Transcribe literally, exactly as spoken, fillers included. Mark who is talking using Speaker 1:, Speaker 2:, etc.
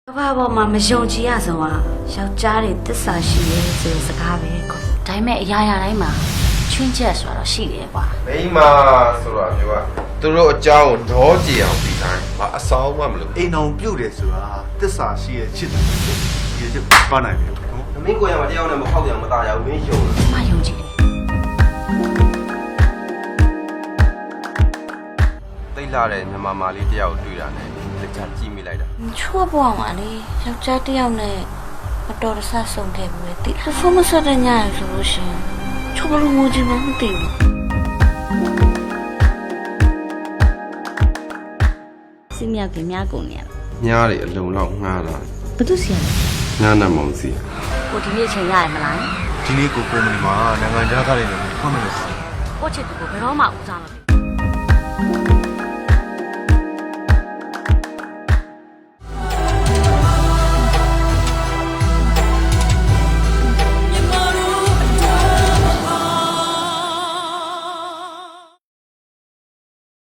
Speaker 1: ဘာပေါ်မှာမယုံကြည်ရဆုံးอ่ะယောက်ျားတွေတစ္ဆာရှိရဲဆိုတဲ့စကားပဲကွာဒါပေမဲ့အရာရာတိုင်းမှာချွင်းချက်ဆိုတာတော့ရှိတယ်ကွာ
Speaker 2: မိမဆိုတော့မျိုးကသူတို့အကြောင်းကိုတော့ကြည်အောင်ပြီးတိုင်းမအဆောင်မှမလို့
Speaker 3: အိမ်အောင်ပြုတ်တယ်ဆိုတာတစ္ဆာရှိရဲ့ချစ်တယ်ဒီချက်ပါနိုင်တယ်နော်
Speaker 2: မင်းကိုရမှာတယောက်နဲ့မဖောက်ပြန်မသားရဘူးမင်းယုံလား
Speaker 1: မယုံကြည်တယ်
Speaker 2: သိလာတဲ့မြမမာလေးတယောက်တွေ့တာနဲ့တခြားကြည့်မိလိုက်တာ
Speaker 1: ချော့ပေါ့မှာလေယောက်ျားတစ်ယောက်နဲ့မတော်တဆဆုံးခဲ့ဘူးလေတိဖုန်းမဆက်တဲ့ညရဆိုလို့ရှိရင်ချော့ဘလို့ငိုကြည့်မှမသိဘူးစင်မြောက်ကများကုန်နေရ
Speaker 2: ညားတွေအလုံးလောက်ငှားတာ
Speaker 1: ဘာလို့စီရလဲ
Speaker 2: ငှားနေမောင်စီ
Speaker 1: ကိုဒီနေ့ချိန်ရရမလား
Speaker 3: ဒီနေ့ကိုကုမ္ပဏီမှာနိုင်ငံခြားသားတွေနဲ့ဖွင့်မယ်လို့
Speaker 1: ကိုချစ်သူကိုဘယ်တော့မှဦးစားမ